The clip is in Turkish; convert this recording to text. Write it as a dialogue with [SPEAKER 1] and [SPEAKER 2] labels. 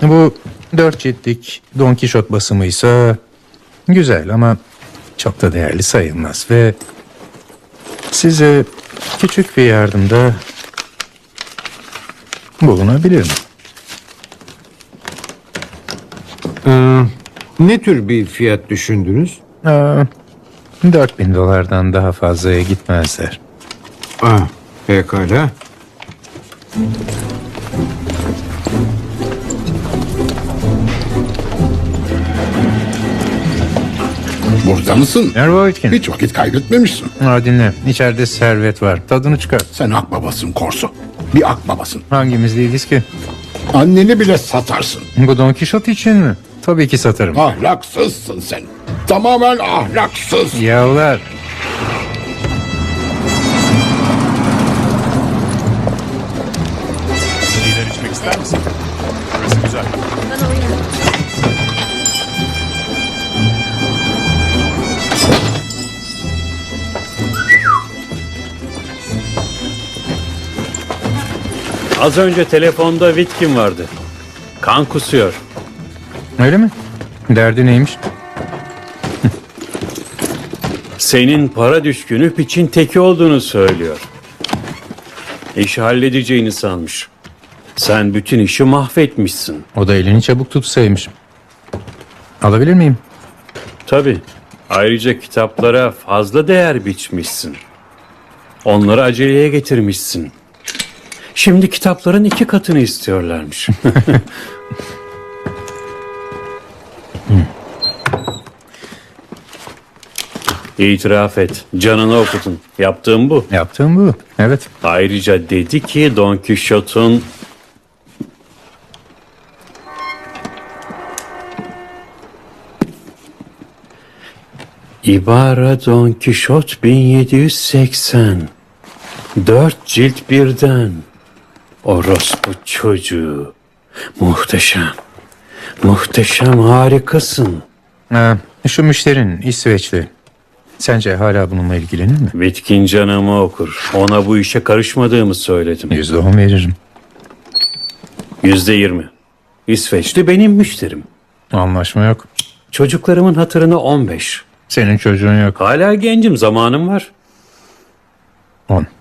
[SPEAKER 1] Bu 4 ciltlik Don Kişot basımıysa güzel ama çok da değerli sayılmaz ve size küçük bir yardımda bulunabilirim.
[SPEAKER 2] Ne tür bir fiyat düşündünüz?
[SPEAKER 1] 4.000 dolardan daha fazlaya gitmezler.
[SPEAKER 2] Pekala.
[SPEAKER 3] Burada mısın?
[SPEAKER 1] Merhaba Whitkin.
[SPEAKER 3] Hiç vakit kaybetmemişsin.
[SPEAKER 1] Dinle. İçeride servet var. Tadını çıkar.
[SPEAKER 3] Sen akbabasın Korso. Bir akbabasın.
[SPEAKER 1] Hangimiz değiliz ki?
[SPEAKER 3] Anneni bile satarsın.
[SPEAKER 1] Bu Don Kişot için mi? Tabii ki satarım.
[SPEAKER 3] Ahlaksızsın sen. Tamamen ahlaksız.
[SPEAKER 1] Yavlar.
[SPEAKER 4] Şeyler içmek ister misin? Burası güzel.
[SPEAKER 5] Az önce telefonda Whitkin vardı. Kan kusuyor.
[SPEAKER 1] Öyle mi? Derdi neymiş?
[SPEAKER 5] Senin para düşkünü piçin teki olduğunu söylüyor. İşi halledeceğini sanmış. Sen bütün işi mahvetmişsin.
[SPEAKER 1] O da elini çabuk tutsaymış. Alabilir miyim?
[SPEAKER 5] Tabii. Ayrıca kitaplara fazla değer biçmişsin. Onları aceleye getirmişsin. Şimdi kitapların 2 katını istiyorlarmış. İtiraf et. Canını okudun. Yaptığım bu.
[SPEAKER 1] Yaptığım bu. Evet.
[SPEAKER 5] Ayrıca dedi ki Don Quixote'un İbara Don Quixote 1780 4 cilt birden. Orospu çocuğu. Muhteşem. Muhteşem, harikasın.
[SPEAKER 1] Şu müşterin İsveçli. Sence hala bununla ilgilenir mi?
[SPEAKER 5] Bitkin canımı okur. Ona bu işe karışmadığımı söyledim.
[SPEAKER 1] %10 veririm.
[SPEAKER 5] %20. İsveçli benim müşterim.
[SPEAKER 1] Anlaşma yok.
[SPEAKER 5] Çocuklarımın hatırına 15.
[SPEAKER 1] Senin çocuğun yok.
[SPEAKER 5] Hala gencim, zamanım var.
[SPEAKER 1] 10.